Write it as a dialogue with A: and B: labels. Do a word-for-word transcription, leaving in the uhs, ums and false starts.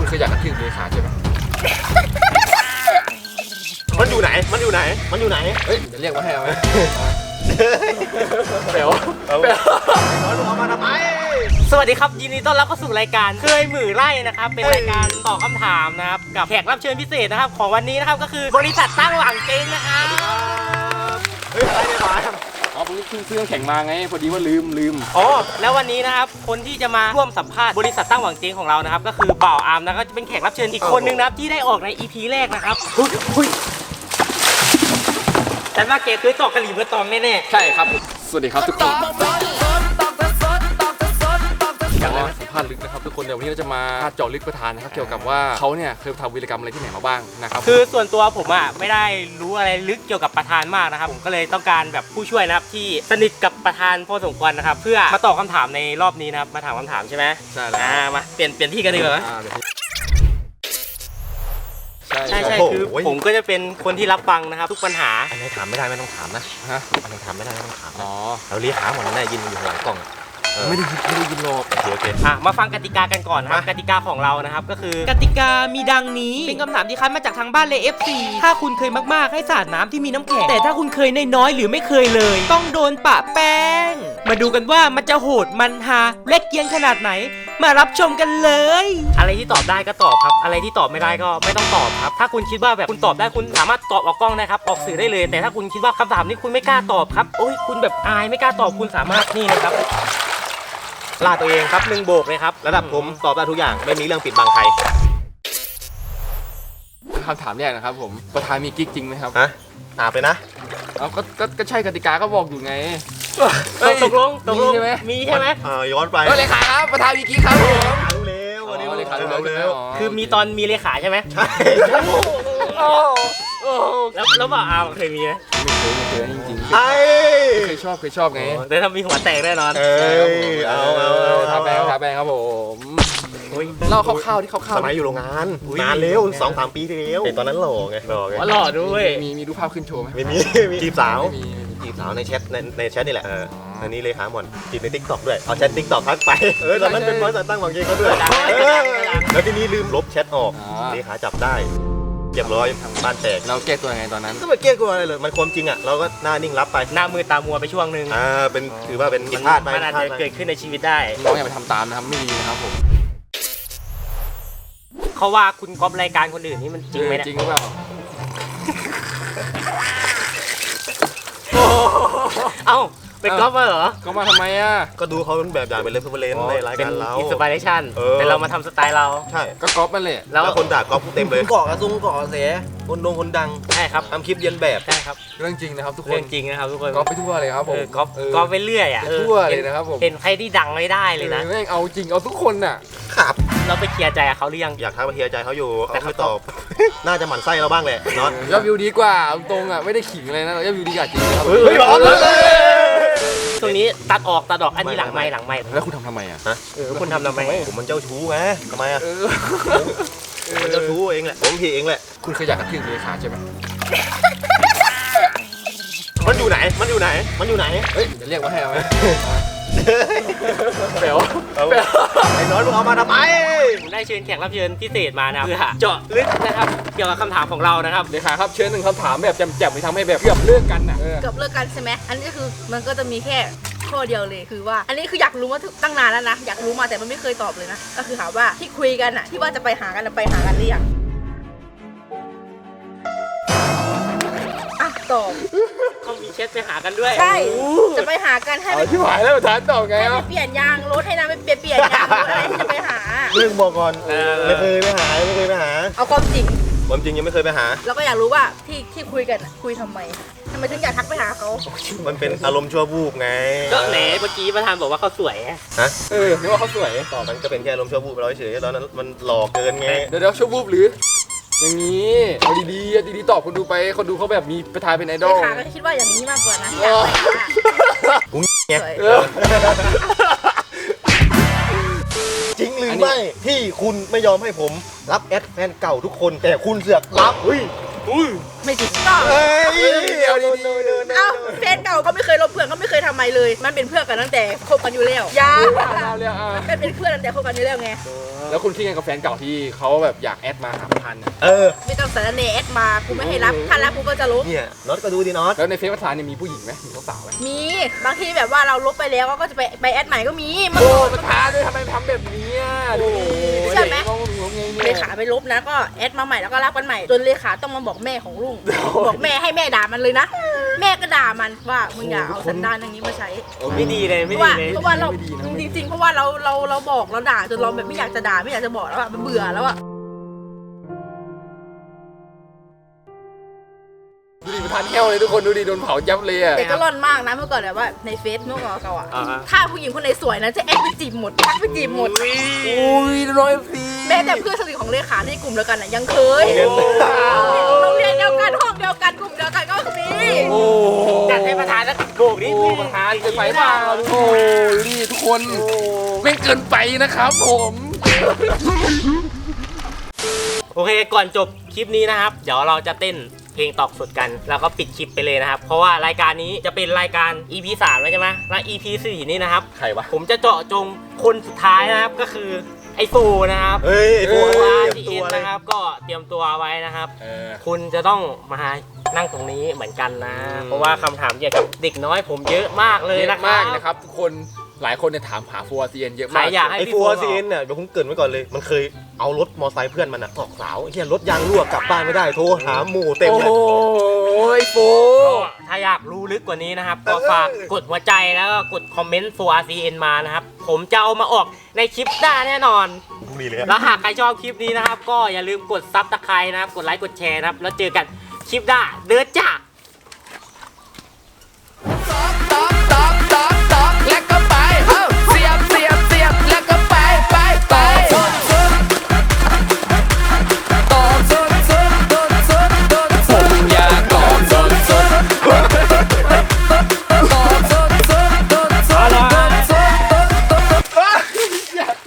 A: เคยอยากกระทืบเลขาใช่ไหม
B: มันอยู่ไหนมันอยู่ไหนมันอยู่ไหน
A: เฮ้ยจะเรียกว่าให้เอาไหมเป๋วเป๋ว
B: น้อยลงมาทำไม
C: สวัสดีครับยินดีต้อนรับเข้าสู่รายการเคยหมื่อไร่นะครับเป็นรายการตอบคำถามนะครับกับแขกรับเชิญพิเศษนะครับของวันนี้นะครับก็คือบริษัทตั้งหวังเจ๊งนะครับ
B: เฮ้ยอะไรเนี่ยหมา
A: อ๋อผมเพิ่งซื้อแข่งมาไงพอดีว่าลืมลืม
C: อ๋อแล้ววันนี้นะครับคนที่จะมาร่วมสัมภาษณ์บริษัทตั้งหวังเจ๊งของเรานะครับก็คือบ่าวอาร์มนะครับจะเป็นแขกรับเชิญอีกคนนึงนะครับที่ได้ออกใน อี พี แรกนะครับหุ้ยแต่ว่าแกคือตอกกะหรี่เบอร์ตองแน่ๆ
A: ใช่ครับสวัสดีครับทุกคนอยากสัมภาษณ์ลึกนะครับทุกคนเดี๋ยววันนี้เราจะมาเจาะลึกประธานนะครับเกี่ยวกับว่าเขาเนี่ยเคยทำวีรกรรมอะไรที่ไหนมาบ้างนะครับ
C: คือส่วนตัวผมอ่ะไม่ได้รู้อะไรลึกเกี่ยวกับประธานมากนะครับผมก็เลยต้องการแบบผู้ช่วยนะครับที่สนิทกับประธานพอสมควรนะครับเพื่อมาตอบคำถามในรอบนี้นะครับมาถามคำถามใช่ไหม
A: ใช่แล้ว
C: มาเปลี่ยนเปลี่ยนที่กันดีกว่าใช่ใช่คือผมก็จะเป็นคนที่รับฟังนะครับทุกปัญหา
B: อันไหนถามไม่ได้ไม่ต้องถามนะ
A: ฮะ
B: อันไหนถามไม่ได้ไม่ต้องถาม
A: อ๋อ
B: เราเรียกหาหมดนั่นแหละยินอยู่หลังกล่อง
A: ไม่ได้ยินไม่ได้ยินหรอก
B: โอเคโอเค
C: อ่ะมาฟังกติกากันก่อนนะครับกติกาของเรานะครับก็คือกติกามีดังนี้เป็นคำถามที่คัดมาจากทางบ้านเลย เอฟ ซี ถ้าคุณเคยมากๆให้สาดน้ำที่มีน้ำแข็งแต่ถ้าคุณเคยน้อยๆหรือไม่เคยเลยต้องโดนปะแป้งมาดูกันว่ามันจะโหดมันฮาเล็กเกียงขนาดไหนมารับชมกันเลยอะไรที่ตอบได้ก็ตอบครับอะไรที่ตอบไม่ได้ก็ไม่ต้องตอบครับถ้าคุณคิดว่าแบบคุณตอบได้คุณสามารถตอบออกกล้องได้ครับออกสื่อได้เลยแต่ถ้าคุณคิดว่าคำถามนี้คุณไม่กล้าตอบครับโอ้ยคุณแบบอายไม่กล้าตอบคุณสามารถนี่นะครับลาตัวเองครับหนึ่งโบกเลยครับ
B: ระดับผมตอบได้ทุกอย่างไม่มีเรื่องปิดบังใคร
A: คำถามแรกนะครับผมประธานมีกิ๊กจริงไหมครับ
B: ฮะอาบเลยนะ
A: เอาก็ก็ใช่กติกาก็บอกอยู่ไง
C: ตกลงตกลง
A: ใช่ไหม
C: มีใช่ไหม
B: อ่าย้อนไป
A: เลขาครับประธานมีกิ๊กครับผม
B: รู้แล้ววันนี้
A: เลขารู้
B: แล้ว
C: คือมีตอนมีเลขาใช่ไหม
B: ใช่
C: แล้วแล้วบ่าวอาเคยมีไหม
A: ไม่เคยไม่เคยจริงๆ
B: ไอ้
A: เคยชอบเคยชอบไง
C: แต่ถ้ามีหัวแตกแน่นอน
B: เออเอาเอาเอา
A: ทาแบงทาแบงครับผมเล่าคร่าวๆที่คร่าวๆ
B: สมัยอยู่โรงงานนานเร็วสองสามปีที่แล้วตอนนั้นหล่อไงหล่อไง
C: หล่อด้วย
A: มีมีรูปภาพขึ้นโชว์ไหม
B: ไม่มีจีบสาวจีบสาวในแชทในในแชทนี่แหละอันนี้เลยหาหมดจีบในทิกตอกด้วยเอาแชททิกตอกทักไปเออตอนนั้นเป็นบริษัทตั้งหวังเกงเขาด้วยแล้วทีนี้ลืมลบแชทออกเลขาจับได้เรียบร้อยบ้านแตก
A: เราแก้ตัวยังไงตอนนั้น
B: ก็ไม่แก้ตัวอะไรเลยมันความจริงอ่ะเราก็หน้านิ่งรับไป
C: หน้ามือตามัวไปช่วงนึง
B: อ่าเป็นถือว่าเป็นผิดพลาดไป
C: มันอาจจะเกิดขึ้นในชีวิตได้
A: น้องอย่าไปทำตามนะครับไม่ดีนะครับผม
C: เขาว่าคุณก๊อปรายการคนอื่นนี่มันจริงไหมเนี่ย
A: จริงหรือเปล่า
C: เอ้าไปก๊อปมาเหรอ
A: ก๊อปมาทำไมอ่ะ
B: ก็ดูเขาเป็นแบบอย่างเป็นเรฟเฟอเรนซ์ในรายการเรา
C: อินสปิเรชั่นแต่เรามาทำสไตล์เรา
B: ใช่
A: ก็ก๊อปมันเลย
B: แล้วคนด่าก๊อปเต็มเลยเกาะกระซุงเกาะเสียคนดงคนดัง
C: ใช่ครับ
B: ทำคลิปเรียนแบบ
C: ใช่ครับ
A: เรื่องจริงนะครับทุกคน
C: เรื่องจริงนะครับทุกคน
A: ก๊อปไปทั่วเลยครับผม
C: ก๊อปก๊อปไปเรื่อยอ่ะ
A: ทั่วเลยนะครับผม
C: เห็นใครที่ดังไม่ได้เลยนะ
A: แม่งเอาจริงเอาทุกคนน่ะ
B: ครับ
C: เราไปเคลียร์ใจเขาหรือยัง
B: อยากทักไปเคลียร์ใจเขาอยู่แต่เขาตอบน่าจะหมั่นไส้เราบ้างแหละน็อต
A: ยอดวิวดีกว่าตรงอ่ะไม่ได้ขิงเลยนะยอดวิวดีกว่าจริงครับ
B: เฮ้ยร้อนเลย
C: ตรงนี้ตัดออกตัดออกอันนี้หลังไม้หลังไม้
A: แล้วคุณทำทำไมอ่ะ
B: ฮะ
C: เออคุณทำทำไม
B: ผมมันเจ้าชู้ไงทำไมอ่ะมันเจ้าชู้เองแหละผมผิดเองแหละ
A: คุณเคยอยากกระทืบเลขาใช่ไหม
B: มันอยู่ไหนมันอยู่ไหนมันอยู่ไหน
A: เฮ้ยจะเรียกว่าให้เอาไหมเป๋ว
B: เป๋วไอ้น้อยมึงเอามาทำไม
C: ผมได้เชิญแขกรับเชิญพิเศษมานะเพื่อเจาะลึกนะครับเกี่ยวกับคำถามของเรานะครับ
A: เลขาครับเชิญหนึ่งคำถามแบบแจ่มๆไปทำให้แบบเกือบเลิกกันน่ะ
D: เกือบเลิกกันใช่ไหมอันนี้คือมันก็จะมีแค่ข้อเดียวเลยคือว่าอันนี้คืออยากรู้มาตั้งนานแล้วนะอยากรู้มาแต่มันไม่เคยตอบเลยนะก็คือถามว่าที่คุยกันอ่ะที่ว่าจะไปหากันไปหากันหรือยังอ่ะตอบ
C: เขามีแชทไปหากันด้วย
D: ใช่จะไปหากันให้
A: ไปที่หายแล้วทานตอบไง
D: ให้ไปเปลี่ยนยางรถให้นะไปเปลี่ยนเปลี่ยนยางรถอะไรที่จะไปหา
B: เรื่องบอกก่อนไม่เคยไปหาไม่เคยไปหา
D: เอาความจริง
B: ความจริงยังไม่เคยไปหา
D: แล้วก็อยากรู้ว่าที่ที่คุยกันคุยทำไมทำไมถึงอยากทักไปหาเขา
B: มันเป็นอารมณ์ชั่ววูบไง
C: ก็แหนเมื่อกี้ประธานบอกว่าเขาสวย
B: ฮะ
A: เออนึกว่าเขาสวย
B: ต่อมันก็เป็นแค่อารมณ์ชั่ววูบเราเฉยตอนนั้นมันหลอกเกินไง
A: เดี๋ยวเดี๋ยวชั่ววูบหรืออย่างนี้เอาดีๆดีๆตอบคนดูไปคนดูเขาแบบมีประธานเป็นไอดอล
D: ค่ะก็คิดว่าอย่างนี้มากกว่านะ
B: กูเงี้ยจริงหรือไม่ที่คุณไม่ยอมให้ผมรับแอดแฟนเก่าทุกคนแต่คุณเสือกรับเฮ้ย
A: อุ้ย
D: ไม่จริงก็
B: เฮ้ย
A: เอาดี
D: เอ้าแฟนเก่าก็ไม่เคยลบเพื่อนก็ไม่เคยทำไมเลย มันเป็นเพื่อนกันตั้งแต่คบกันอยู่แล้วยา
A: ๆเอาเลยอ่ะ
D: มันเป็นเพื่อนตั้งแต่คบกันอยู่แล้วไง
A: แล้วคุณคิดไงกับแฟนเก่าที่เขาแบบอยากแอดมาหาพันเนี่ย
B: เออ
D: ไม่ต้องสารเนแอดมากูไม่ให้รับถ้ารับกูก็จะลบ
B: เนี่ยน็อตก็ดูดิน็อต
A: แล้วในเฟซประธานเนี่ยมีผู้หญิงไหมมีสาวๆไหม
D: มีบางทีแบบว่าเราลบไปแล้วก็จะไปไปแอดใหม่ก็มีมัน
A: โอ้ประธานด้วยทำไมทำแบบนี้อ่ะดูดิ
D: ใช่ไหม
A: งงงงไง
D: เล
A: เนี่ย
D: ขาไปลบนะก็แอดมาใหม่แล้วก็รับกันใหม่จนเลขาต้องมาบอกแม่ของลุงบอกแม่ให้แม่ด่ามันเลยนะแม่ก็ด่ามันว่ามึงอย่าเอาสันดานอย่างนี้มาใช้
C: ไม่ดีเลย
D: เพ
C: ไม่
D: ราะ
C: ดี
D: ว่า
C: เลย
D: เพราะว่าเราจริงๆเพราะว่าเราเราเราบอกเราด่าจนเราแบบไม่อยากจะด่าไม่อยากจะบอกแล้วอะมันเบื่อแล้วอะ
A: ดูดิประธานแห้วเลยทุกคนดูดิโดนเผายับเลยอ่ะ
D: แต่ก็ร่อนมากนะเมื่อก่อนแบบว่าในเฟซเมื่อก่อนเก่าอะ
C: อ่าฮะ
D: ถ้าผู้หญิงคนไหนสวยนะจะแอดไปจีบหมดทักไปจีบหมด
A: อุ้ยร้อยฟี
D: แม้แต่เพื่อนสนิทของเลขาในกลุ่มเดียวกันอะยังเคยโรงเรียนเดียวกันห้องเดียวกันกลุ่มเดียวกันก็มี
A: โอ้
C: จัดให้ประธานสักโบกนิด
A: โอ้ประธานเกินไปเปล่าโอ้ดิทุกคนไม่เกินไปนะครับผม
C: โอเคก่อนจบคลิปนี้นะครับ เดี๋ยวเราจะเต้นเพลงตอกสดกันแล้วก็ปิดคลิปไปเลยนะครับ เพราะว่ารายการนี้จะเป็นรายการ อี พี สามแล้วใช่ไหมและ อี พี สี่นี่นะครับ
A: ใครวะ
C: ผมจะเจาะจงคนสุดท้ายนะครับก็คือไอโฟนะครับ
B: เฮ้ยไอ้พวก
C: ตัว
B: เตรียม
C: ที
B: ตั
C: เอ็
B: วน เลย
C: นะครับก็เตรียมตัวไว้นะครับ
A: เออ
C: คุณจะต้องมานั่งตรงนี้เหมือนกันนะ
A: อืม
C: เพราะว่าคำถามเกี่ยวกับเด็กน้อยผมเยอะมากเลย
A: เย
C: นะ
A: อะ
C: ครั
A: มาก
C: บ
A: นะครับทุกคนหลายคนเนี่ยถามหาฟัวซีเอ็นเยอะ
C: ใคร
A: มาก
C: อยากให้
B: ไอ้
C: พี่
B: ฟั
C: โฟ
B: ว
C: บ
B: ซี
C: อก
B: เอ็นเนี่ยเดี๋ยวผมเกรินไว้ก่อนเลย มันเคยเอารถมอไซค์เพื่อนมันอะตอกเสาไอ้เหี้ยรถยางรั่วกลับบ้านไม่ได้โทรหาหมู่เต็ม
A: โอ้
B: เล
A: โห
B: ย
A: โฟ
C: ก็ถ้าอยากรู้ลึกกว่านี้นะครับ ก็ฝากกดหัวใจแล้วก็กดคอมเมนต์ โฟร์ อาร์ ซี เอ็น มานะครับ ผมจะเอามาออกในคลิปหน้าแน่นอน
B: พรุ่งนี้เลยอะ
C: แล้วหากใครชอบคลิปนี้นะครับ ก็อย่าลืมกดซับสไครต์นะครับ กดไลค์กดแชร์นะครับ แล้วเจอกันคลิปหน้าเดินจ้า